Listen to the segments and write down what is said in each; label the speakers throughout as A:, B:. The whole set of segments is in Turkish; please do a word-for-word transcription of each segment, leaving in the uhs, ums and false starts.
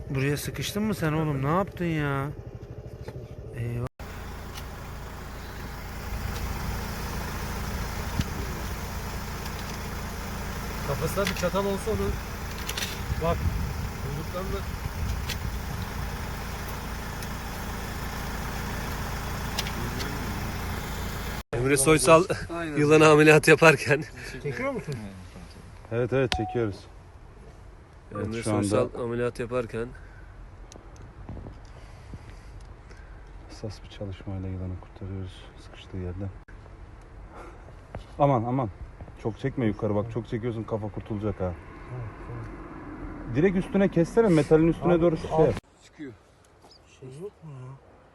A: Buraya sıkıştın mı sen oğlum? Ne yaptın ya? Eyvah.
B: Kafasında bir çatal olsa onun. Bak. Kuyruklarında. Emre Soysal yılan ameliyatı yaparken.
A: Çekiyor musun?
C: Evet evet çekiyoruz.
B: Emre
C: şu anda-
B: Soysal ameliyat yaparken.
C: Hassas bir çalışmayla yılanı kurtarıyoruz sıkıştığı yerden. Aman aman. Çok çekme yukarı bak, çok çekiyorsun kafa kurtulacak ha. Direkt üstüne kessene, metalin üstüne
A: Abi,
C: doğru şey yap.
B: Çıkıyor.
A: Şey yok mu ya?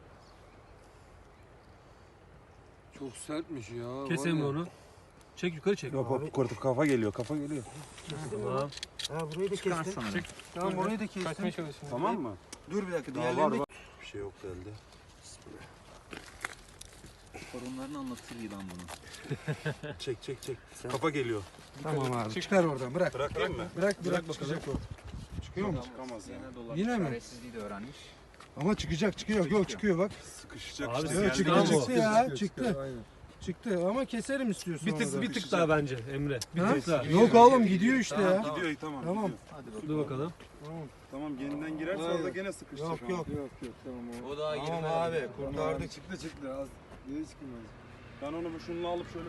D: Çok sertmiş ya.
B: Kes
D: var
B: Emre
D: ya.
B: onu. Çek yukarı çek.
C: Yok hop kurtup kafa geliyor, kafa geliyor.
B: Tamam.
A: Ha burayı da kestim. Tamam burayı da kestim.
C: Tamam mı?
A: Dur bir dakika.
C: Daha var
A: Diğerlerini de...
C: var. Bir şey yok elde.
E: Sorunlarını anlatır yılan bunu.
C: Çek çek çek. Kafa geliyor.
A: Tamam abi. Çıkar oradan. Bırak.
C: Bırakayım mı?
A: Bırak bırak bakalım.
C: Çıkıyor mu? Çıkamaz ya.
A: Yine mi?
E: Çaresizliği de öğrenmiş.
A: Ama çıkacak çıkıyor. Yok çıkıyor bak.
C: Sıkışacak
B: Abi
C: işte.
B: sen-
A: Evet,
C: Yani
A: çıktı
B: Tamam,
A: çıktı
B: o.
A: ya. Çıktı. Çıktı ama keserim istiyorsun.
B: Bir
A: onu da.
B: tık bir tık daha bence Emre. Bir
A: Ha?
B: tık daha.
A: Yok oğlum gidiyor işte ya.
C: Gidiyor iyi, tamam.
A: Tamam.
C: gidiyor.
E: Hadi bakalım.
B: Dur bakalım.
C: Tamam yeniden girerse
A: Hayır.
C: orada gene sıkışacak.
A: Yok
C: ama.
A: yok.
D: Yok yok tamam o.
E: O daha
A: Tamam
E: girmedi.
A: abi kurtardık.
D: Çıktı çıktı az. Niye çıkmaz?
C: Ben onu bu şununla alıp şöyle